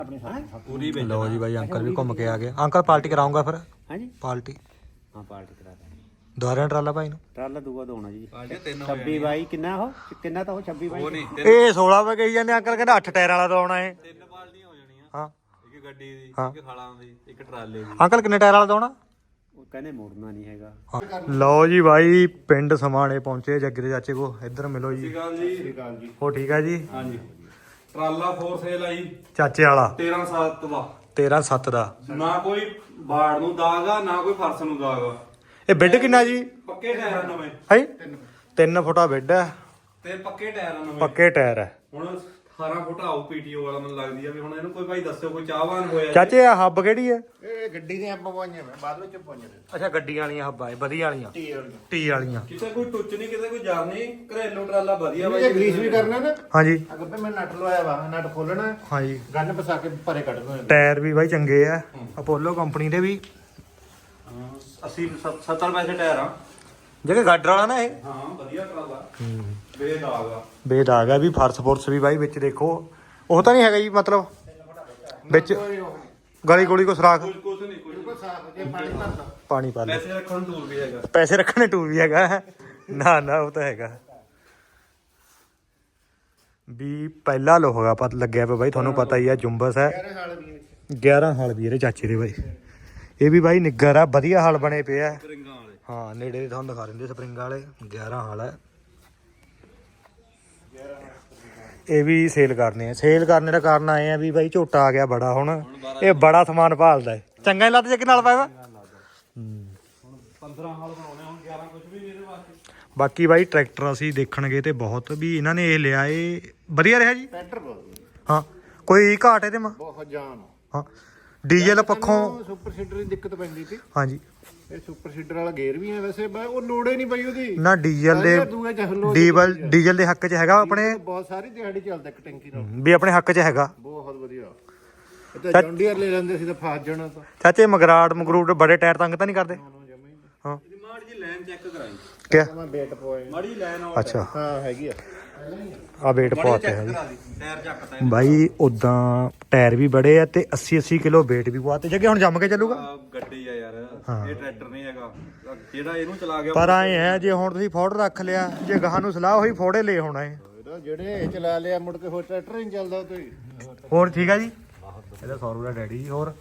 पूरी लो जी भाई अंकल भी घूम के आ गए। अंकल पार्टी कराऊंगा फिर। हाँ जी पार्टी। हाँ पार्टी करा देंगे। दोहरा ट्राला भाई ट्राला दूआ दोना जी 26 ਬਾਈ ਕਿੰਨਾ ਉਹ ਕਿੰਨਾ ਤਾਂ ਉਹ 26 ਬਾਈ ਇਹ 16 ਵੇ ਕਹੀ ਜਾਂਦੇ ਅੰਕਲ ਕਹਿੰਦਾ 8 ਟਾਇਰ ਵਾਲਾ ਦੋਣਾ ਹੈ। ਤਿੰਨ ਬਾਲਟੀਆਂ ਹੋ ਜਾਣੀਆਂ। ਹਾਂ ਇੱਕ ਗੱਡੀ ਦੀ ਇੱਕ ਖਾਲਾਂ ਦੀ ਇੱਕ ਟਰਾਲੇ ਦੀ। ਅੰਕਲ ਕਿੰਨੇ ਟਾਇਰ ਵਾਲਾ ਦੋਣਾ ਉਹ ਕਹਿੰਦੇ ਮੋੜਨਾ ਨਹੀਂ ਹੈਗਾ। ਲਓ ਜੀ ਭਾਈ ਪਿੰਡ ਸਮਾਣੇ ਪਹੁੰਚੇ ਜੱਗੇ ਦੇ ਚਾਚੇ ਕੋ। ਇੱਧਰ ਮਿਲੋ ਜੀ। ਸਤਿ ਸ਼੍ਰੀ ਅਕਾਲ ਜੀ। ਹੋ ਠੀਕ ਹੈ ਜੀ। ਹਾਂਜੀ ਟਰਾਲਾ ਫੋਰ ਸੇਲ ਆਈ ਚਾਚੇ ਵਾਲਾ 13/7 ਦਾ 13/7 ਦਾ ਨਾ ਕੋਈ ਬਾੜ ਨੂੰ ਦਾਗ ਆ ਨਾ ਕੋਈ ਫਰਸ਼ ਨੂੰ ਦਾਗ ਆ। ਇਹ ਬੈੱਡ ਕਿੰਨਾ ਜੀ ਪੱਕੇ ਟਾਇਰ ਨਵੇਂ ਹੈ 3 ਫੁੱਟਾ ਬੈੱਡ ਹੈ ਤੇ ਪੱਕੇ ਟਾਇਰ ਨਵੇਂ ਪੱਕੇ ਟਾਇਰ ਹੈ। ਹੁਣ 18 ਫੁੱਟ ਆਉ ਪੀਟੀਓ ਵਾਲਾ ਮੈਨੂੰ ਲੱਗਦੀ ਆ ਵੀ ਹੁਣ ਇਹਨੂੰ ਕੋਈ ਭਾਈ ਦੱਸਿਓ ਕੋਈ ਚਾਹਵਾਨ ਹੋਇਆ ਚਾਚੇ ਆ ਹੱਬ ਕਿਹੜੀ ਹੈ ਇਹ ਗੱਡੀ ਦੀਆਂ ਹੱਬਾਂ ਪਵਾਈਆਂ ਮੈਂ ਬਾਅਦ ਵਿੱਚ ਪਵਾਈਆਂ। ਅੱਛਾ ਗੱਡੀਆਂ ਵਾਲੀਆਂ ਹੱਬਾਂ ਹੈ ਵਧੀਆ ਵਾਲੀਆਂ ਟੀ ਵਾਲੀਆਂ ਕਿਤੇ ਕੋਈ ਟੁੱਚ ਨਹੀਂ ਕਿਤੇ ਕੋਈ ਜਰ ਨਹੀਂ ਘਰੇਲੂ ਟਰਾਲਾ ਵਧੀਆ ਬਾਈ। ਇਹ ਗਰੀਸ ਵੀ ਕਰਨਾ ਨਾ। ਹਾਂਜੀ ਅੱਗੇ ਮੈਂ ਨਟ ਲਵਾਇਆ ਵਾ ਨਟ ਖੋਲਣਾ। ਹਾਂਜੀ ਗੰਨ ਫਸਾ ਕੇ ਭਰੇ ਕੱਢ ਦੋ। ਟਾਇਰ ਵੀ ਬਾਈ ਚੰਗੇ ਆ ਅਪੋਲੋ ਕੰਪਨੀ ਦੇ ਵੀ 80-70 ਪੈਸੇ ਟਾਇਰ ਆ ਜਿਹੜੇ ਗਾਡਰ ਵਾਲਾ ਨਾ ਇਹ। ਹਾਂ ਵਧੀਆ ਟਰਾਲਾ ਬੇਦਾਗ ਆ ਬੇਦਾਗ ਆ ਵੀ ਫਰਸ ਫੁਰਸ ਵੀ ਬਾਈ ਵਿੱਚ ਦੇਖੋ ਉਹ ਤਾਂ ਨਹੀਂ ਹੈਗਾ ਜੀ ਮਤਲਬ ਵਿੱਚ ਗਲੀ ਗੋਲੀ ਕੋ ਸਰਾਖ ਕੁਝ ਨਹੀਂ ਪਾਣੀ ਪਾ ਪੈਸੇ ਰੱਖਣ ਟੂਲ ਵੀ ਹੈਗਾ ਪੈਸੇ ਰੱਖਣੇ ਟੂਲ ਵੀ ਹੈਗਾ ਨਾ ਨਾ ਉਹ ਤਾਂ ਹੈਗਾ ਵੀ ਪਹਿਲਾ ਲੋਹਾ ਪਤ ਲੱਗਿਆ ਪਿਆ ਬਾਈ ਤੁਹਾਨੂੰ ਪਤਾ ਹੀ ਆ ਜੁੰਬਸ ਹੈ 11 ਹਾਲ ਵੀ ਇਹਦੇ ਚਾਚੇ ਦੇ ਬਾਈ। ਇਹ ਵੀ ਬਾਈ ਨਿੱਗਰ ਆ ਵਧੀਆ ਹਾਲ ਬਣੇ ਪਏ ਆ। ਹਾਂ ਨੇੜੇ ਦੇ ਤੁਹਾਨੂੰ ਦਿਖਾ ਦਿੰਦੇ ਸਪਰਿੰਗਾਂ ਵਾਲੇ 11 ਹਾਲ ਹੈ। ਇਹ ਵੀ ਸੇਲ ਕਰਨੇ ਆ। ਸੇਲ ਕਰਨੇ ਦਾ ਕਾਰਨ ਆਏ ਆ ਵੀ ਬਾਈ ਝੋਟਾ ਆ ਗਿਆ ਬੜਾ ਹੁਣ ਇਹ ਬੜਾ ਸਮਾਨ ਭਾਲਦਾ ਹੈ। ਚੰਗਾ ਹੀ ਲੱਤ ਜੇ ਨਾਲ ਪਾਇਆ 15 ਹਾਲ ਬਣਾਉਣੇ ਹੁਣ 11 ਕੁਝ ਵੀ ਇਹਦੇ ਵਾਸਤੇ। ਬਾਕੀ ਬਾਈ ਟਰੈਕਟਰ ਅਸੀਂ ਦੇਖਣਗੇ ਤੇ ਬਹੁਤ ਵੀ ਇਹਨਾਂ ਨੇ ਇਹ ਲਿਆ ਇਹ ਵਧੀਆ ਰਿਹਾ ਜੀ ਟਰੈਕਟਰ ਬਹੁਤ। ਹਾਂ ਕੋਈ ਘਾਟ ਇਹਦੇ ਮਾ ਬਹੁਤ ਜਾਨ। ਹਾਂ ਡੀਜ਼ਲ ਪੱਖੋਂ ਸੁਪਰ ਸੀਡਰ ਦੀ ਦਿੱਕਤ ਪੈਂਦੀ ਸੀ। ਹਾਂਜੀ ਇਹ ਸੁਪਰ ਸੀਡਰ ਵਾਲਾ ਗੇਅਰ ਵੀ ਹੈ ਵੈਸੇ ਉਹ ਲੋੜੇ ਨਹੀਂ ਪਈ ਉਹਦੀ ਨਾ ਡੀਜ਼ਲ ਦੇ ਡੀਜ਼ਲ ਦੇ ਹੱਕ 'ਚ ਹੈਗਾ ਆਪਣੇ ਬਹੁਤ ਸਾਰੀ ਦਿਹਾੜੀ ਚੱਲਦਾ ਇੱਕ ਟੈਂਕੀ ਨਾਲ ਵੀ ਆਪਣੇ ਹੱਕ 'ਚ ਹੈਗਾ ਬਹੁਤ ਵਧੀਆ। ਇਹ ਤਾਂ ਜੌਂਡੀਅਰ ਲੈ ਲੈਂਦੇ ਸੀ ਤਾਂ ਫਸ ਜਾਣਾ ਤਾਂ ਚਾਚੇ ਮਗਰਾਟ ਮਗਰੂਟ ਬੜੇ ਟਾਇਰ ਤੰਗ ਤਾਂ ਨਹੀਂ ਕਰਦੇ। ਹਾਂ ਮਾੜੀ ਜੀ ਲਾਈਨ ਚੈੱਕ ਕਰਾਈ ਕਿਆ ਮੈਂ ਵੇਟ ਪਵਾਏ ਮਾੜੀ ਲਾਈਨ ਆ। ਅੱਛਾ ਹਾਂ ਹੈਗੀ ਆ ਆ ਵੇਟ ਪਵਾਤੇ ਹੈ ਜੀ ਟਾਇਰ ਚੱਕਦਾ ਬਾਈ ਉਦਾਂ ਟਾਇਰ ਵੀ ਬੜੇ ਆ ਤੇ 80 ਕਿਲੋ ਵੇਟ ਵੀ ਪਵਾਤੇ ਜੱਗੇ ਹੁਣ ਜੰਮ ਕੇ ਚੱਲੂਗਾ ਗੱਡੀ ਆ ਯਾਰ ਇਹ ਟਰੈਕਟਰ ਨਹੀਂ ਹੈਗਾ ਜਿਹੜਾ ਇਹਨੂੰ ਚਲਾ ਗਿਆ ਪਰ ਆਏ ਹੈ ਜੇ ਹੁਣ ਤੁਸੀਂ ਫੋੜ ਰੱਖ ਲਿਆ ਜੇ ਗਾਹਾਂ ਨੂੰ ਸਲਾਹ ਹੋਈ ਫੋੜੇ ਲੈ ਹੋਣਾ ਹੈ ਜਿਹੜੇ ਚਲਾ ਲਿਆ ਮੁੜ ਕੇ ਹੋਰ ਟਰੈਕਟਰ ਨਹੀਂ ਚੱਲਦਾ ਤੇ ਹੋਰ ਠੀਕ ਆ ਜੀ ਇਹਦਾ ਸੌਰੂ ਦਾ ਡੈਡੀ ਹੋਰ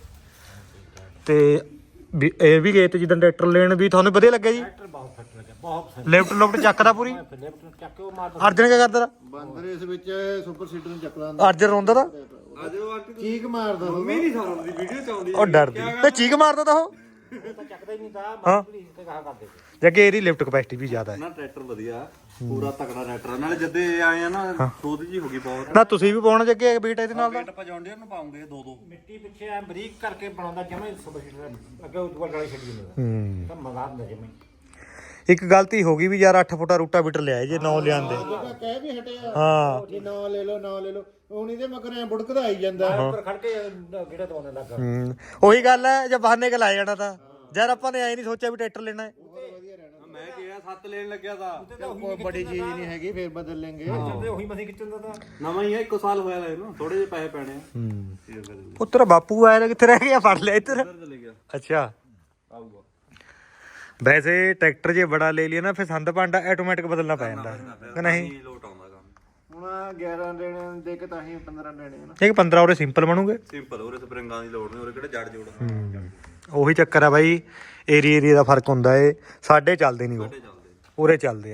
ਤੇ ਵੀ ਇਹ ਵੀ ਗਏ ਤੇ ਜਿੱਦਾਂ ਟਰੈਕਟਰ ਲੈਣ ਵੀ ਤੁਹਾਨੂੰ ਵਧੀਆ ਲੱਗਿਆ ਜੀ ਲੈਫਟ ਲੁਫਟ ਚੱਕਦਾ ਪੂਰੀ ਅਰਜਨ ਕੀ ਕਰਦਾ ਬਾਂਦਰ ਇਸ ਵਿੱਚ ਸੁਪਰ ਸੀਡਰ ਨੂੰ ਚੱਕਦਾ ਅਰਜਨ ਰੋਂਦਾ ਤਾਂ ਚੀਕ ਮਾਰਦਾ ਮੰਮੀ ਨਹੀਂ ਸੌਂਦੀ ਵੀਡੀਓ ਚ ਆਉਂਦੀ ਉਹ ਡਰਦੀ ਤੇ ਚੀਕ ਮਾਰਦਾ ਤਾਂ ਉਹ ਚੱਕਦਾ ਹੀ ਨਹੀਂ ਤਾਂ ਮਾਰਦੀ ਤੇ ਕਹਾ ਕਰਦੇ ਜੱਗੇ ਇਹਦੀ ਲਿਫਟ ਕਪੈਸਿਟੀ ਵੀ ਜ਼ਿਆਦਾ ਹੈ ਨਾ ਟਰੈਕਟਰ ਵਧੀਆ ਪੂਰਾ ਤਕੜਾ ਟਰੈਕਟਰ ਨਾਲੇ ਜਦੇ ਆਏ ਆ ਨਾ ਖੋਦ ਜੀ ਹੋ ਗਈ ਬਹੁਤ ਨਾ ਤੁਸੀਂ ਵੀ ਪਾਉਣਾ ਜੱਗੇ ਬੀਟ ਇਹਦੇ ਨਾਲ ਦਾ ਬੀਟ ਪਜਾਉਂਦੇ ਉਹਨੂੰ ਪਾਉਂਗੇ ਦੋ ਮਿੱਟੀ ਪਿੱਛੇ ਐ ਬਰੀਕ ਕਰਕੇ ਬਣਾਉਂਦਾ ਜਿਵੇਂ ਸੁਪਰ ਸੀਡਰ ਅੱਗੇ ਉੱਪਰ ਗਾਲੀ ਛੱਡੀ ਜਾਂਦਾ ਤਾਂ ਮਜ਼ਾ ਆਉਂਦਾ ਜਿਵੇਂ। ਇੱਕ ਗਲਤੀ ਹੋ ਗਈ ਵੀ ਯਾਰ 8 ਫੁੱਟਾ ਰੂਟਾ ਬੀਟਰ ਲਿਆਏ ਜੇ 9 ਲਿਆਂਦੇ ਕਹਿ ਵੀ ਹਟਿਆ ਹਾਂ ਜੇ 9 ਲੈ ਲਓ ਹੁਣ ਇਹਦੇ ਮਗਰ ਐ ਬੁੜਕਦਾ ਆਈ ਜਾਂਦਾ ਉੱਪਰ ਖੜ ਕੇ ਕਿਹੜਾ ਦਵਾਉਣ ਲੱਗਾ। ਉਹੀ ਗੱਲ ਹੈ ਜੇ ਬਹਾਨੇ ਲਾਇਆ ਜਾਣਾ ਤਾਂ ਯਾਰ ਆਪਾਂ ਨੇ ਐ ਨਹੀਂ ਸੋਚਿਆ ਵੀ ਟਰੈਕਟਰ ਲੈਣਾ ਹੈ। ਮੈਂ ਕਿਹਾ 7 ਲੈਣ ਲੱਗਿਆ ਤਾਂ ਕੋਈ ਬੜੀ ਚੀਜ਼ ਨਹੀਂ ਹੈਗੀ ਫੇਰ ਬਦਲ ਲੈਂਗੇ ਉਹੀ ਮਸੀਂ ਖਿੱਚਣ ਦਾ ਤਾਂ ਨਵਾਂ ਹੀ ਹੈ 1 ਸਾਲ ਹੋਇਆ ਲੈ ਨਾ ਥੋੜੇ ਜਿਹੇ ਪੈਸੇ ਪੈਣੇ ਆ। ਉੱਤਰ ਬਾਪੂ ਆਇਆ ਕਿੱਥੇ ਰਹਿ ਗਿਆ ਫੜ ਲਿਆ ਇੱਧਰ ਚਲੇ ਗਿਆ। ਅੱਛਾ ਆਊਗਾ ਵੈਸੇ ਟਰੈਕਟਰ ਜੇ ਬੜਾ ਲੈ ਲਿਆ ਨਾ ਫਿਰ ਸੰਦ ਭਾਂਡਾ ਆਟੋਮੈਟਿਕ ਬਦਲਣਾ ਪੈ ਜਾਂਦਾ ਕਿ ਨਹੀਂ ਲੋਟ ਆਉਂਦਾ ਕੰਮ। ਹੁਣ 11 ਦੇਣੇ ਦੇ ਕੇ ਤਾਂ ਹੀ 15 ਦੇਣੇ ਨਾ ਇੱਕ 15 ਉਹਦੇ ਸਿੰਪਲ ਬਣੂਗੇ ਸਿੰਪਲ ਉਹਦੇ ਸਪਰਿੰਗਾਂ ਦੀ ਲੋੜ ਨਹੀਂ ਉਹਦੇ ਕਿਹੜੇ ਜੜ ਜੋੜ ਉਹੀ ਚੱਕਰ ਆ ਬਾਈ ਏਰੀਆ ਦਾ ਫਰਕ ਹੁੰਦਾ ਏ ਸਾਡੇ ਚੱਲਦੇ ਨਹੀਂ ਉਹ ਉਰੇ ਚੱਲਦੇ ਆ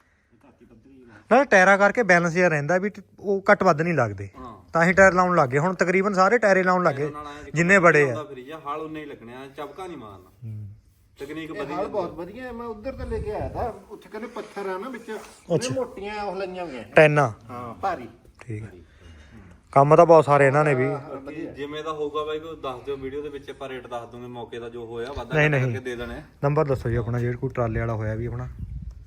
ਨਾ ਟਾਇਰਾਂ ਕਰਕੇ ਬੈਲੈਂਸ ਜਿਹਾ ਰਹਿੰਦਾ ਵੀ ਉਹ ਘੱਟ ਵੱਧ ਨਹੀਂ ਲੱਗਦੇ ਤਾਂ ਹੀ ਟਾਇਰ ਲਾਉਣ ਲੱਗੇ ਹੁਣ ਤਕਰੀਬਨ ਸਾਰੇ ਟਾਇਰੇ ਲਾਉਣ ਲੱਗੇ ਜਿੰਨੇ ਬੜੇ ਆ ਹਾਲ ਉਨੇ ਹੀ ਲੱਗਣੇ ਚਬਕਾ ਨਹੀਂ ਮਾਰਨਾ ਤਕਨੀਕ ਵਧੀਆ ਹਾਲ ਬਹੁਤ ਵਧੀਆ ਮੈਂ ਉਧਰ ਤੇ ਲੈ ਕੇ ਆਇਆ ਥਾ ਉੱਥੇ ਕਹਿੰਦੇ ਪੱਥਰ ਆ ਨਾ ਵਿੱਚ ਉਹਨੇ ਮੋਟੀਆਂ ਉਹ ਲਈਆਂ ਹੋਈਆਂ ਟੈਨਾ ਹਾਂ ਭਾਰੀ ਠੀਕ ਹੈ ਕੰਮ ਤਾਂ ਬਹੁਤ ਸਾਰੇ ਇਹਨਾਂ ਨੇ ਵੀ ਜਿਵੇਂ ਦਾ ਹੋਊਗਾ ਬਾਈ ਕੋਈ ਦੱਸ ਦਿਓ ਵੀਡੀਓ ਦੇ ਵਿੱਚ ਆਪਾਂ ਰੇਟ ਦੱਸ ਦੂੰਗੇ ਮੌਕੇ ਦਾ ਜੋ ਹੋਇਆ ਵਾਧਾ ਕਰਕੇ ਦੇ ਦੇਣੇ ਨੰਬਰ ਦੱਸੋ ਜੀ ਆਪਣਾ ਜਿਹੜਾ ਕੋਈ ਟਰਾਲੇ ਵਾਲਾ ਹੋਇਆ ਵੀ ਆਪਣਾ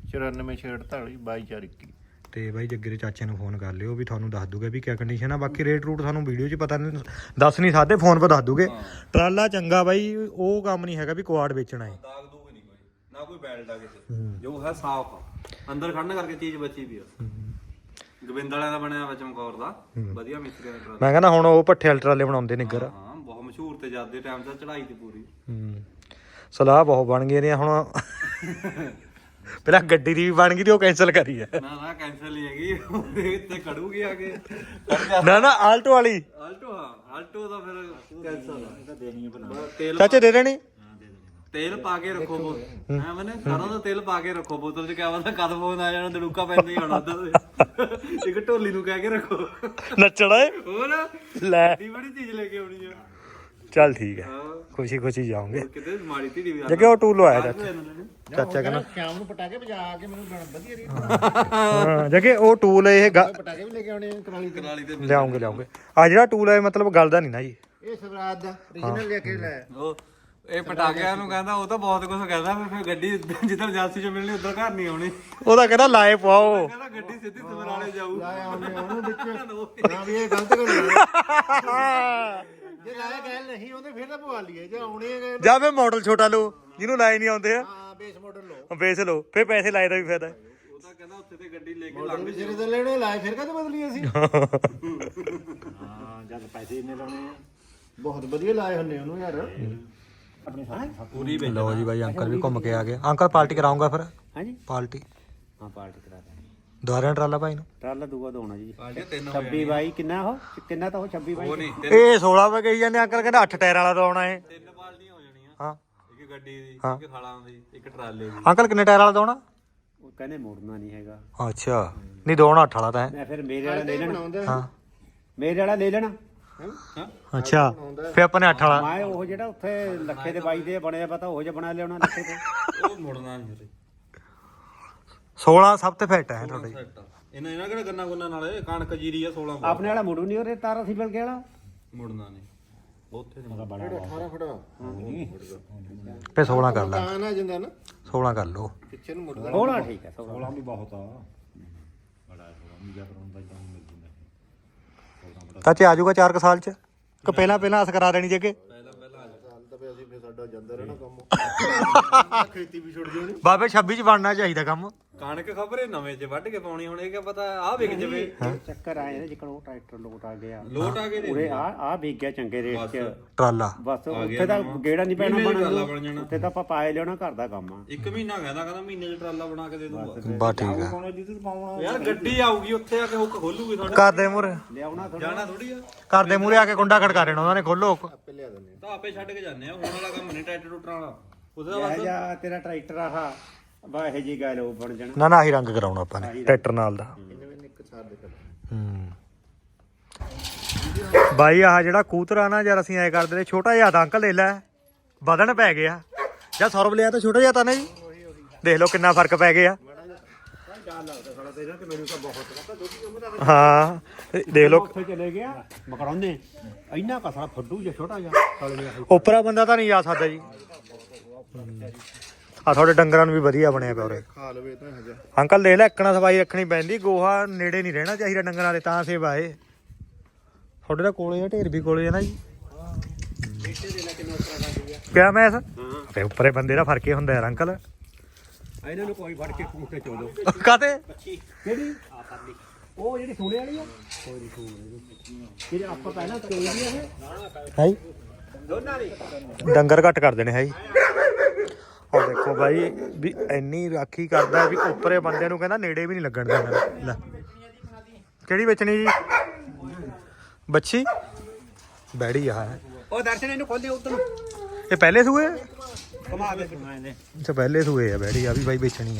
9448222421 ਤੇ ਬਾਈ ਜੱਗੇ ਦੇ ਚਾਚੇ ਨੂੰ ਫੋਨ ਕਰ ਲਿਓ ਵੀ ਤੁਹਾਨੂੰ ਦੱਸ ਦੂਗੇ ਵੀ ਕਿਆ ਕੰਡੀਸ਼ਨ ਆ ਬਾਕੀ ਰੇਟ ਰੂਟ ਸਾਨੂੰ ਵੀਡੀਓ 'ਚ ਪਤਾ ਨਹੀਂ ਦੱਸ ਨਹੀਂ ਸਕਦੇ ਫੋਨ 'ਤੇ ਦੱਸ ਦੂਗੇ ਟਰਾਲਾ ਚੰਗਾ ਬਾਈ ਉਹ ਕੰਮ ਨਹੀਂ ਹੈਗਾ ਵੀ ਕੁਆੜ ਵੇਚਣਾ ਹੈ ਦਾਗ ਦੂਗ ਨਹੀਂ ਕੋਈ ਨਾ ਕੋਈ ਬੈਲਟ ਆ ਕਿਸੇ ਜੋ ਹੈ ਸਾਫ਼ ਅੰਦਰ ਖੜਨ ਕਰਕੇ ਚੀਜ਼ ਬਚੀ ਵੀ ਆ ਗੋਬਿੰਦ ਵਾਲਿਆਂ ਦਾ ਬਣਿਆ ਵਾ ਚਮਕੌਰ ਦਾ ਵਧੀਆ ਮਿਸਤਰੀ ਦਾ ਟਰਾਲਾ। ਮੈਂ ਕਹਿੰਦਾ ਹੁਣ ਉਹ ਭੱਠੇ ਵਾਲੇ ਟਰਾਲੇ ਬਣਾਉਂਦੇ ਨਿੱਗਰ। ਹਾਂ ਬਹੁਤ ਮਸ਼ਹੂਰ ਤੇ ਜਾਂਦੇ ਟਾਈਮ ਤੇ ਚੜਾਈ ਤੇ ਪੂਰੀ। ਸਲਾਹ ਬਹੁਤ ਬਣ ਗਈ ਨੇ ਹੁਣ। ਪਹਿਲਾਂ ਗੱਡੀ ਦੀ ਵੀ ਬਣ ਗਈ ਤੇ ਉਹ ਕੈਨਸਲ ਕਰੀ ਹੈ। ਨਾ ਕੈਂਸਲ ਨਹੀਂ ਹੈਗੀ, ਉਹਦੇ ਉੱਤੇ ਖੜੂਗੀ ਆ ਕੇ। ਨਾ ਆਲਟੋ ਵਾਲੀ। ਆਲਟੋ ਹਾਂ ਆਲਟੋ ਦਾ ਫਿਰ ਕੈਂਸਲ ਆ। ਦੇਣੀ ਹੈ ਬਣਾ ਤੇਲ ਚਾਚੇ ਦੇ ਦੇਣੀ। ਤੇਲ ਪਾ ਕੇ ਰੱਖੋ ਬੋਤਲ ਐ ਮੈਨੇ ਸਾਰਾ ਦਾ ਤੇਲ ਪਾ ਕੇ ਰੱਖੋ ਬੋਤਲ ਚ। ਕਿਆ ਪਤਾ ਕਦ ਫੋਨ ਆ ਜਾਣਾ, ਦੜੂਕਾ ਪੈਂਦਾ ਹੀ ਆਉਣਾ ਉੱਧਰ। ਇੱਕ ਢੋਲੀ ਨੂੰ ਕਹਿ ਕੇ ਰੱਖੋ ਨੱਚਣਾ ਏ ਹੋਰ ਲੈ। ਬੜੀ ਚੀਜ਼ ਲੈ ਕੇ ਆਉਣੀ ਆ। ਚੱਲ ਠੀਕ ਹੈ, ਖੁਸ਼ੀ ਜਾਓਗੇ। ਕਿਤੇ ਮਾੜੀ ਧੀੜੀ ਵੀ ਜੱਗੇ ਉਹ ਟੂਲ ਆਇਆ ਚਾਚਾ ਕਹਿੰਦਾ ਸ਼ਾਮ ਨੂੰ ਪਟਾਕੇ ਵਜਾ ਕੇ ਮੈਨੂੰ ਵਧੀਆ ਰਹੀ। ਹਾਂ ਜੱਗੇ ਉਹ ਟੂਲ ਇਹ ਪਟਾਕੇ ਵੀ ਲੈ ਕੇ ਆਉਣੇ ਕਰਾਲੀ ਤੇ ਲਿਆਉਂਗੇ ਆ ਜਿਹੜਾ ਟੂਲ ਹੈ ਮਤਲਬ ਗਲਦਾ ਨਹੀਂ ਨਾ ਜੀ। ਇਹ ਸਵਰਾਜ ਦਾ origignal ਲੈ ਕੇ ਲੈ। ਉਹ ਇਹ ਪਟਾਕਿਆਂ ਨੂੰ ਕਹਿੰਦਾ, ਉਹ ਤਾਂ ਬਹੁਤ ਕੁਝ ਕਹਿੰਦਾ। ਫਿਰ ਗੱਡੀ ਜਿੱਦਾਂ ਏਜੰਸੀ ਚ ਮਿਲਣੀ ਉਧਰ ਘਰ ਨਹੀਂ ਆਉਣੀ। ਉਹਦਾ ਕਹਿੰਦਾ ਲਾਏ ਪਾਓ। ਕਹਿੰਦਾ ਗੱਡੀ ਸਿੱਧੀ ਸਮਰਾਲੇ ਜਾਊ। ਉਹਨੂੰ ਵਿੱਚ ਨਾ ਵੀ ਇਹ ਗਲਤ ਗੱਲ ਹੈ। ਜੇ ਲਾਇਆ ਗੱਲ ਨਹੀਂ ਉਹਦੇ ਫਿਰ ਤਾਂ ਪਵਾ ਲਈਏ। ਜੇ ਆਉਣੇ ਹੈ ਜਾਂ ਫੇ ਮਾਡਲ ਛੋਟਾ ਲਓ ਜਿਹਨੂੰ ਲਾਏ ਨਹੀਂ ਆਉਂਦੇ ਆ। ਹਾਂ ਬੇਸ ਮਾਡਲ ਲਓ। ਵੇਚ ਲਓ ਫੇ ਪੈਸੇ ਲਾਏ ਦਾ ਵੀ ਫਾਇਦਾ। ਉਹ ਤਾਂ ਕਹਿੰਦਾ ਉੱਥੇ ਤੇ ਗੱਡੀ ਲੈ ਕੇ ਮਾਡਲ ਵੀ ਸਿਰੇ ਤੇ ਲੈਣੇ ਲਾਏ ਫਿਰ ਕਦੇ ਬਦਲੀ ਅਸੀਂ। ਹਾਂ ਜਦ ਪੈਸੇ ਇੰਨੇ ਲਾਉਣੇ ਆ ਬਹੁਤ ਵਧੀਆ ਲਾਏ ਹੁੰਦੇ ਉਹਨੂੰ ਯਾਰ। ਪੂਰੀ ਲਓ ਜੀ ਬਾਈ ਅੰਕਲ ਵੀ ਘੁੰਮ ਕੇ ਆ ਗਏ। ਅੰਕਲ ਪਾਰਟੀ ਕਰਾਉਂਗਾ ਫਿਰ। ਹਾਂਜੀ ਪਾਰਟੀ ਹਾਂ ਪਾਰਟੀ ਕਰਾ ਦੇ। ਦੁਆਰਿਆਂ ਟਰਾਲਾ ਭਾਈ ਨੂੰ ਟਰਾਲਾ ਦੂਆ ਦੋਣਾ ਜੀ। ਤਿੰਨ 26 ਬਾਈ ਕਿੰਨਾ ਉਹ ਕਿੰਨਾ ਤਾਂ ਉਹ 26 ਬਾਈ। ਉਹ ਨਹੀਂ ਇਹ 16 ਵਜੇ ਗਈ ਜਾਂਦੇ। ਅੰਕਲ ਕਹਿੰਦਾ 8 ਟਾਇਰ ਵਾਲਾ ਦਵਾਉਣਾ ਹੈ। ਤਿੰਨ ਬਾਲਟੀਆਂ ਹੋ ਜਾਣੀਆਂ। ਹਾਂ ਇੱਕ ਗੱਡੀ ਦੀ, ਇੱਕ ਖਾਲਾਂ ਦੀ, ਇੱਕ ਟਰਾਲੇ ਦੀ। ਅੰਕਲ ਕਿੰਨੇ ਟਾਇਰ ਵਾਲਾ ਦਵਾਉਣਾ? ਉਹ ਕਹਿੰਦੇ ਮੋੜਨਾ ਨਹੀਂ ਹੈਗਾ। ਅੱਛਾ ਨਹੀਂ ਦਵਾਉਣਾ 8 ਵਾਲਾ ਤਾਂ ਹੈ। ਮੈਂ ਫਿਰ ਮੇਰੇ ਵਾਲਾ ਲੈ ਲੈਣਾ। ਹਾਂ ਮੇਰੇ ਵਾਲਾ ਲੈ ਲੈਣਾ। ਅੱਛਾ ਫੇ ਆਪਾਂ ਨੇ 8 ਵਾਲਾ। ਮੈਂ ਉਹ ਜਿਹੜਾ ਉੱਥੇ ਲੱਖੇ ਦੇ ਬਾਈ ਦੇ ਬਣਿਆ ਪਤਾ ਉਹ ਜਿਹਾ ਬਣਾ ਲਿਆਉਣਾ ਲੱਖੇ ਤੇ। ਉਹ ਮੁੜਨਾ ਨਹੀਂ 16 ਸਭ ਤੋਂ ਫਿੱਟ ਹੈ ਤੁਹਾਡੇ। ਇਹਨਾਂ ਕਿਹੜਾ ਗੰਨਾ ਗੁੰਨਾ ਨਾਲੇ ਕਣਕ ਜੀਰੀ ਆ 16 ਆਪਣੇ ਵਾਲਾ ਮੁੜੂ ਨਹੀਂ ਉਹਦੇ ਤਾਰਾ ਸੀ ਬਲ ਕੇ ਵਾਲਾ ਮੁੜਨਾ ਨਹੀਂ ਉੱਥੇ ਨਹੀਂ ਬੜਾ 18 ਫੁੱਟ ਫੇ 16 ਕਰ ਲੈ। ਆ ਜਾਂਦਾ ਨਾ 16 ਕਰ ਲਓ। ਪਿੱਛੇ ਨੂੰ ਮੁੜਦਾ। 16 ਠੀਕ ਹੈ 16 ਵੀ ਬਹੁਤ ਆ। ਚਾਚੇ ਆ ਜਾਊਗਾ 4 ਸਾਲ ਚ ਕਿ ਪਹਿਲਾਂ ਅਸ ਕਰਾ ਦੇਣੀ ਜੇ ਕਿ ਸਾਡਾ ਜਾਂਦਾ ਰਹਿਣਾ ਕੰਮ। ਖੇਤੀ ਵੀ ਛੁੱਟ ਜਾਣੀ। ਬਾਬੇ 26 ਚ ਬਣਨਾ ਚਾਹੀਦਾ ਕੰਮ। ਕਣਕ ਖਬਰੇ ਨਵੇਂ ਚ ਵੱਢ ਕੇ ਪਾਉਣੀ। ਹੁਣ ਇਹ ਕੀ ਪਤਾ ਆ ਵਿਕ ਜਵੇ। ਚੱਕਰ ਆਏ ਨੇ ਜਿੱਕਣ ਉਹ ਟਰੈਕਟਰ ਲੋਟ ਆ ਗਿਆ। ਲੋਟ ਆ ਕੇ ਉਰੇ ਆ ਵਿਕ ਗਿਆ ਚੰਗੇ ਰੇਟ 'ਚ। ਟਰਾਲਾ ਬਸ ਉੱਥੇ ਤਾਂ ਗੇੜਾ ਨਹੀਂ ਪੈਣਾ ਟਰਾਲਾ ਬਣ ਬਣਨ। ਜਾਣਾ। ਉੱਥੇ ਤਾਂ ਆਪਾਂ ਪਾਏ ਲਿਆਉਣਾ ਘਰ ਦਾ ਕੰਮ ਆ। ਇੱਕ ਮਹੀਨਾ ਕਹਿੰਦਾ ਮਹੀਨੇ ਚ ਟਰਾਲਾ ਬਣਾ ਕੇ ਦੇ ਦੂੰਗਾ। ਬਾ ਠੀਕ ਹੈ। ਯਾਰ ਗੱਡੀ ਆਊਗੀ ਉੱਥੇ ਆ ਕੇ ਹੁੱਕ ਖੋਲੂਗੀ ਤੁਹਾਡੇ। ਕਰਦੇ ਮੂਰੇ ਲਿਆਉਣਾ ਥੋੜਾ ਜਾਣਾ ਥੋੜੀ ਆ। ਕਰਦੇ ਮੂਰੇ ਆ ਕੇ ਕੁੰਡਾ ਖੜਕਾ ਦੇਣਾ ਉਹਨਾਂ ਨੇ। ਖੋਲੋ ਆਪੇ ਲਿਆ ਦਿੰਦੇ ਤਾਂ ਆਪੇ ਛੱਡ ਕੇ ਜਾਂਦੇ ਆ। ਹੁਣ ਵਾਲਾ ਕੰਮ ਨਹੀਂ ਟਰੈਕਟਰ ਟੁੱਟਣ ਵਾਲਾ। ਉਹਦਾ ਆ। ਜਾ ਤੇਰਾ ਟਰੈਕਟਰ ਆਹ ਬਾ ਇਹ ਜੀ ਗੱਲ ਉਹ ਬਣ ਜਾਣਾ। ਨਾ ਆਹੀ ਰੰਗ ਕਰਾਉਣਾ ਆਪਾਂ ਨੇ ਟਰੈਕਟਰ ਨਾਲ ਦਾ। ਇੱਕ ਸਾਰ ਦੇ ਕਰ। ਬਾਈ ਆਹ ਜਿਹੜਾ ਕੂਤਰ ਆ ਨਾ ਯਾਰ ਅਸੀਂ ਐ ਕਰਦੇ ਨੇ ਛੋਟਾ ਜਿਹਾ ਤਾਂ ਅੰਕਲ ਲੈ ਲੈ ਵਧਣ ਪੈ ਗਿਆ। ਜਾਂ ਸੌਰਵ ਲਿਆ ਤਾਂ ਛੋਟਾ ਜਿਹਾ ਤਾਂ ਨਾ ਜੀ। ਦੇਖ ਲਓ ਕਿੰਨਾ ਫਰਕ ਪੈ ਗਿਆ। ਹਾਂ ਦੇਖ ਲਓ ਉੱਥੇ ਚਲੇ ਗਿਆ ਮਕਰਾਉਂਦੇ ਇੰਨਾ ਕਸਰਾ ਫੱਡੂ ਜਿਹਾ ਛੋਟਾ ਜਿਹਾ ਸਾਲੇ ਉਪਰਾ ਬੰਦਾ ਤਾਂ ਨਹੀਂ ਜਾ ਸਕਦਾ ਜੀ। ਆ ਤੁਹਾਡੇ ਡੰਗਰਾਂ ਨੂੰ ਵੀ ਵਧੀਆ ਬਣਿਆ ਪਿਆ ਉਰੇ। ਖਾ ਲਵੇ ਤਾਂ ਹਜਾ। ਅੰਕਲ ਦੇਖ ਲੈ ਇੱਕਣਾ ਸਫਾਈ ਰੱਖਣੀ ਪੈਂਦੀ। ਗੋਹਾ ਨੇੜੇ ਨਹੀਂ ਰਹਿਣਾ ਚਾਹੀਦਾ ਡੰਗਰਾਂ ਦੇ ਤਾਂ ਸੇਵਾ ਏ। ਤੁਹਾਡੇ ਦਾ ਕੋਲੇ ਆ ਢੇਰ ਵੀ ਕੋਲੇ ਆ ਨਾ ਜੀ। ਕਿਆ ਮੈਸ ਤੇ ਉੱਪਰੇ ਬੰਦੇ ਦਾ ਫਰਕ ਹੀ ਹੁੰਦਾ ਯਾਰ ਅੰਕਲ। ਇਹਨਾਂ ਨੂੰ ਕੋਈ ਫੜ ਕੇ ਕੂਟੇ ਚੋਲੋ। ਕਾਤੇ ਕਿਹੜੀ ਉਹ ਜਿਹੜੀ ਸੋਨੇ ਵਾਲੀ ਆ ਕੋਈ ਨਹੀਂ ਸੋਨੇ ਜਿਹੜੇ ਆਪਾਂ ਪਹਿਲਾਂ ਚੋਈ ਦੀ ਇਹ ਹੈ ਦੋਨਾਂ ਦੀ ਡੰਗਰ ਘੱਟ ਕਰ ਦੇਣੇ ਹੈ ਜੀ। ਆ ਦੇਖੋ ਬਾਈ ਵੀ ਇੰਨੀ ਰਾਖੀ ਕਰਦਾ ਵੀ ਉੱਪਰੇ ਬੰਦੇ ਨੂੰ ਕਹਿੰਦਾ ਨੇੜੇ ਵੀ ਨਹੀਂ ਲੱਗਣ ਦੇਣਾ। ਲੈ ਕਿਹੜੀ ਵੇਚਣੀ ਜੀ? ਬੱਚੀ ਬੈੜੀ ਆ ਹੈ। ਉਹ ਦਰਸ਼ਨ ਇਹਨੂੰ ਖੋਲ ਦੇ ਉਧਰ ਨੂੰ। ਇਹ ਪਹਿਲੇ ਸੂਏ? ਕਮਾ ਦੇ ਕਮਾਏ ਦੇ। ਅੱਛਾ ਪਹਿਲੇ ਸੂਏ ਆ ਬੈੜੀ। ਆ ਵੀ ਬਾਈ ਵੇਚਣੀ ਆ।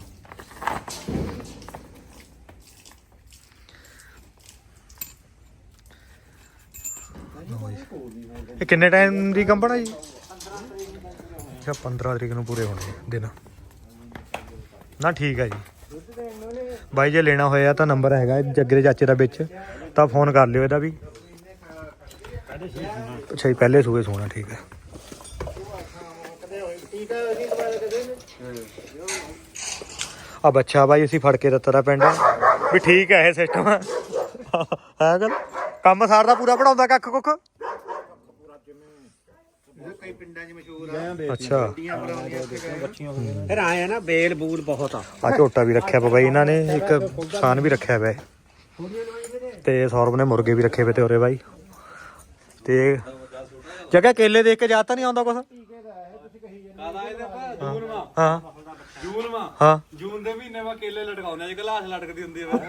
ਇਹ ਕਿੰਨੇ ਟਾਈਮ ਦੀ ਕੰਪਨ ਆ ਜੀ? ਅੱਛਾ 15 ਤਰੀਕ ਨੂੰ ਪੂਰੇ ਹੋਣੇ ਦਿਨ ਨਾ। ਠੀਕ ਹੈ ਜੀ ਬਾਈ ਜੇ ਲੈਣਾ ਹੋਇਆ ਤਾਂ ਨੰਬਰ ਹੈਗਾ ਜੱਗੇ ਦੇ ਚਾਚੇ ਦਾ ਵਿੱਚ ਤਾਂ ਫੋਨ ਕਰ ਲਿਓ ਇਹਦਾ ਵੀ। ਅੱਛਾ ਜੀ ਪਹਿਲੇ ਸੂਏ ਸੋਣਾ। ਠੀਕ ਹੈ। ਆ ਬੱਚਾ ਬਾਈ ਅਸੀਂ ਫੜ ਕੇ ਦਿੱਤਾ ਦਾ ਪਿੰਡ ਵੀ ਠੀਕ ਹੈ ਇਹ ਸਿਸਟਮ ਹੈ ਗੱਲ। ਕੰਮ ਸਾਰ ਦਾ ਪੂਰਾ ਪੜਾਉਂਦਾ ਕੱਖ ਕੁੱਖ। ਕਈ ਪਿੰਡਾਂ 'ਚ ਮਸ਼ਹੂਰ ਆ। ਅੱਛਾ ਫਿਰ ਆਏ ਆ ਨਾ ਬੇਲ ਬੂਲ ਬਹੁਤ ਆ। ਆ ਝੋਟਾ ਵੀ ਰੱਖਿਆ ਵਾ ਬਾਈ ਇਹਨਾਂ ਨੇ। ਇੱਕ ਸਾਨ ਵੀ ਰੱਖਿਆ ਵਾ। ਤੇ ਸੌਰਵ ਨੇ ਮੁਰਗੇ ਵੀ ਰੱਖੇ ਵੇ ਤੇ ਉਰੇ ਬਾਈ। ਤੇ ਜਗ੍ਹਾ ਕੇਲੇ ਦੇਖ ਕੇ ਜਾਤਾ ਨਹੀਂ ਆਉਂਦਾ ਕੁਛ। ਹਾਂ ਹਾਂ ਜੂਨ ਦੇ ਮਹੀਨੇ ਵਾ ਕੇਲੇ ਲਟਕਾਉਂਦੇ ਆ, ਗਲਾਸ ਲਟਕਦੀ ਹੁੰਦੀ ਹੈ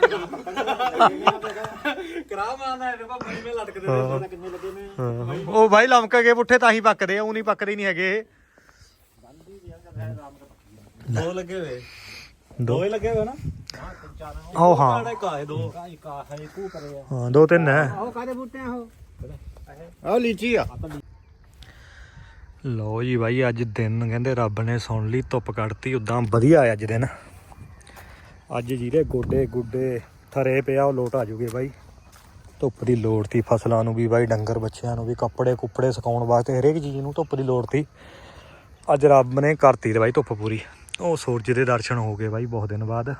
ਕਰਾ ਮਾਰਦਾ ਇਹਦੇ ਪਾ ਮਹੀਨੇ ਲਟਕਦੇ ਨੇ। ਕਿੰਨੇ ਲੱਗੇ ਨੇ ਉਹ ਬਾਈ ਲਮਕ ਗਏ ਪੁੱਠੇ ਤਾਂ ਹੀ ਪੱਕਦੇ ਆ, ਉਹ ਨਹੀਂ ਪੱਕਦੇ ਨਹੀਂ ਹੈਗੇ ਇਹ। ਦੋ ਲੱਗੇ ਹੋਏ, ਦੋ ਹੀ ਲੱਗੇ ਹੋਏ ਨਾ। ਉਹ ਹਾਂ ਦੋ ਹਾਂ 2-3 ਹੈ। ਉਹ ਕਾਦੇ ਬੂਟੇ ਆ ਉਹ ਲੀਚੀ ਆ। ਲਓ ਜੀ ਬਾਈ ਅੱਜ ਦਿਨ ਕਹਿੰਦੇ ਰੱਬ ਨੇ ਸੁਣ ਲਈ, ਧੁੱਪ ਕੱਢਤੀ ਉਦਾਂ ਵਧੀਆ ਆ ਅੱਜ ਦਿਨ। ਅੱਜ ਜਿਹਦੇ ਗੋਡੇ ਗੁੱਡੇ ਥਰੇ ਪਿਆ ਉਹ ਲੋਟ ਆ ਜੂਗੇ ਬਾਈ। ਧੁੱਪ ਦੀ ਲੋੜ ਤੀ ਫਸਲਾਂ ਨੂੰ ਵੀ ਬਾਈ, ਡੰਗਰ ਬੱਚਿਆਂ ਨੂੰ ਵੀ, ਕੱਪੜੇ ਕੁੱਪੜੇ ਸੁਕਾਉਣ ਵਾਸਤੇ ਹਰੇਕ ਚੀਜ਼ ਨੂੰ ਧੁੱਪ ਦੀ ਲੋੜ ਤੀ। ਅੱਜ ਰੱਬ ਨੇ ਕਰਤੀ ਤੇ ਬਾਈ ਧੁੱਪ ਪੂਰੀ। ਉਹ ਸੂਰਜ ਦੇ ਦਰਸ਼ਨ ਹੋ ਗਏ ਬਾਈ ਬਹੁਤ ਦਿਨ ਬਾਅਦ,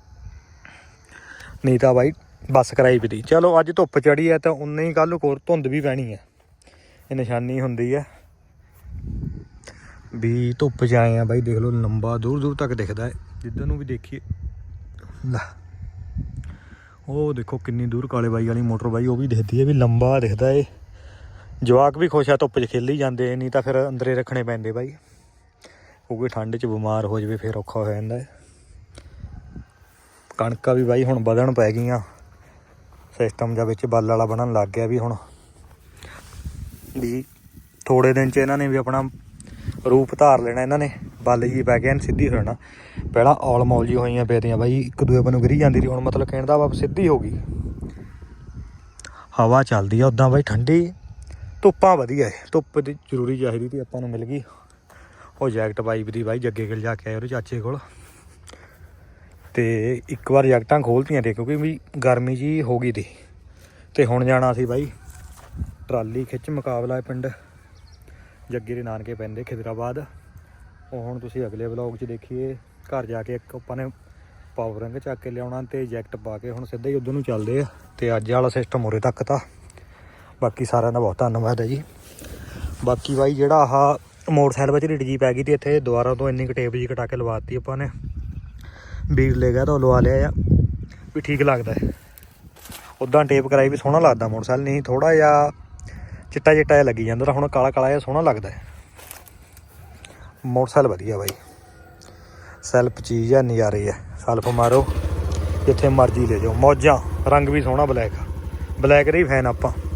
ਨਹੀਂ ਤਾਂ ਬਾਈ ਬੱਸ ਕਰਾਈ ਵੀ ਤੀ। ਚਲੋ ਅੱਜ ਧੁੱਪ ਚੜੀ ਹੈ ਤਾਂ ਉਨੇ ਹੀ ਕੱਲ੍ਹ ਨੂੰ ਹੋਰ ਧੁੰਦ ਵੀ ਪੈਣੀ ਹੈ। ਇਹ ਨਿਸ਼ਾਨੀ ਹੁੰਦੀ ਹੈ ਵੀ ਧੁੱਪ 'ਚ ਆਏ ਆ ਬਾਈ। ਦੇਖ ਲਓ ਲੰਬਾ ਦੂਰ ਦੂਰ ਤੱਕ ਦਿਖਦਾ ਹੈ, ਜਿੱਧਰ ਨੂੰ ਵੀ ਦੇਖੀਏ। ਲੈ ਉਹ ਦੇਖੋ ਕਿੰਨੀ ਦੂਰ ਕਾਲੇ ਬਾਈ ਵਾਲੀ ਮੋਟਰ ਬਾਈ, ਉਹ ਵੀ ਦਿਖਦੀ ਹੈ ਵੀ ਲੰਬਾ ਦਿਖਦਾ ਏ। ਜਵਾਕ ਵੀ ਖੁਸ਼ ਆ, ਧੁੱਪ 'ਚ ਖੇਲੀ ਜਾਂਦੇ, ਨਹੀਂ ਤਾਂ ਫਿਰ ਅੰਦਰੇ ਰੱਖਣੇ ਪੈਂਦੇ ਬਾਈ, ਕਿਉਂਕਿ ਠੰਡ 'ਚ ਬਿਮਾਰ ਹੋ ਜਾਵੇ ਫਿਰ ਔਖਾ ਹੋ ਜਾਂਦਾ ਹੈ। ਕਣਕਾਂ ਵੀ ਬਾਈ ਹੁਣ ਵਧਣ ਪੈ ਗਈਆਂ, ਸਿਸਟਮ ਜਾਂ ਵਿੱਚ ਬੱਲ ਵਾਲਾ ਬਣਨ ਲੱਗ ਗਿਆ ਵੀ ਹੁਣ ਵੀ ਥੋੜੇ ਦਿਨ 'ਚ ਇਹਨਾਂ ਨੇ ਵੀ ਆਪਣਾ ਰੂਪ ਧਾਰ ਲੈਣਾ। ਇਹਨਾਂ ਨੇ ਬੱਲ ਜੀ ਪੈ ਗਿਆ, ਸਿੱਧੀ ਹੋ ਜਾਣਾ। ਪਹਿਲਾਂ ਔਲ ਮੌਲ ਜੀ ਹੋਈਆਂ ਪਈਆਂ ਬਾਈ, ਇੱਕ ਦੂਏ ਬੰਨੋਂ ਗਿਰੀ ਜਾਂਦੀ ਸੀ, ਹੁਣ ਮਤਲਬ ਕਹਿਣ ਦਾ ਵਾ ਸਿੱਧੀ ਹੋ ਗਈ। ਹਵਾ ਚੱਲਦੀ ਆ ਉੱਦਾਂ ਬਾਈ ਠੰਡੀ, ਧੁੱਪਾਂ ਵਧੀਆ ਏ। ਧੁੱਪ ਦੀ ਜ਼ਰੂਰੀ ਚਾਹੀਦੀ ਤੀ ਆਪਾਂ ਨੂੰ, ਮਿਲ ਗਈ। ਉਹ ਜੈਕਟ ਪਾਈਪ ਦੀ ਬਾਈ ਜੱਗੇ ਕੋਲ ਜਾ ਕੇ ਆਏ ਉਹਦੇ ਚਾਚੇ ਕੋਲ, ਤੇ ਇੱਕ ਵਾਰ ਜੈਕਟਾਂ ਖੋਲ੍ਹਤੀਆਂ ਤੇ ਕਿਉਂਕਿ ਵੀ ਗਰਮੀ ਜੀ ਹੋ ਗਈ ਤੀ। ਤੇ ਹੁਣ ਜਾਣਾ ਸੀ ਬਾਈ ਟਰਾਲੀ ਖਿੱਚ ਮੁਕਾਬਲਾ ਪਿੰਡ ਜੱਗੇ ਦੇ ਨਾਨਕੇ ਪੈਂਦੇ ਖਿਦਰਾਬਾਦ। ਉਹ ਹੁਣ ਤੁਸੀਂ ਅਗਲੇ ਵਲੌਗ 'ਚ ਦੇਖੀਏ। ਘਰ ਜਾ ਕੇ ਇੱਕ ਆਪਾਂ ਨੇ ਪਾਵਰ ਰੰਗ ਚੱਕ ਕੇ ਲਿਆਉਣਾ ਤੇ ਜੈਕਟ ਪਾ ਕੇ ਹੁਣ ਸਿੱਧਾ ਹੀ ਉੱਧਰ ਨੂੰ ਚੱਲਦੇ ਆ। ਤੇ ਅੱਜ ਵਾਲਾ ਸਿਸਟਮ ਉਰੇ ਤੱਕ ਤਾਂ। ਬਾਕੀ ਸਾਰਿਆਂ ਦਾ ਬਹੁਤ ਧੰਨਵਾਦ ਹੈ ਜੀ। ਬਾਕੀ ਬਾਈ ਜਿਹੜਾ ਆਹ ਮੋਟਰਸਾਈਕਲ ਵਿੱਚ ਢਿੱਡ ਜੀ ਪੈ ਗਈ ਤੇ ਇੱਥੇ ਦੁਬਾਰਾ ਤੋਂ ਇੰਨੀ ਕੁ ਟੇਪ ਜੀ ਕਟਾ ਕੇ ਲਵਾਤੀ ਆਪਾਂ ਨੇ। ਵੀਰ ਲੈ ਗਿਆ ਤਾਂ ਉਹ ਲਵਾ ਲਿਆ ਆ ਵੀ ਠੀਕ ਲੱਗਦਾ ਹੈ। ਉੱਦਾਂ ਟੇਪ ਕਰਾਈ ਵੀ ਸੋਹਣਾ ਲੱਗਦਾ ਮੋਟਰਸਾਈਕਲ, ਨਹੀਂ ਥੋੜ੍ਹਾ ਜਿਹਾ ਚਿੱਟਾ ਚਿੱਟਾ ਜਿਹਾ ਲੱਗੀ ਜਾਂਦਾ, ਹੁਣ ਕਾਲਾ ਕਾਲਾ ਜਿਹਾ ਸੋਹਣਾ ਲੱਗਦਾ ਹੈ। ਮੋਟਰਸਾਈਕਲ ਵਧੀਆ ਬਾਈ, ਸੈਲਫ ਚੀਜ਼ ਹੈ, ਨਜ਼ਾਰੇ ਹੈ। ਸੈਲਫ ਮਾਰੋ ਜਿੱਥੇ ਮਰਜ਼ੀ ਲੈ ਜਾਓ, ਮੌਜਾਂ। ਰੰਗ ਵੀ ਸੋਹਣਾ ਬਲੈਕ, ਬਲੈਕ ਦੇ ਹੀ ਫੈਨ ਆਪਾਂ।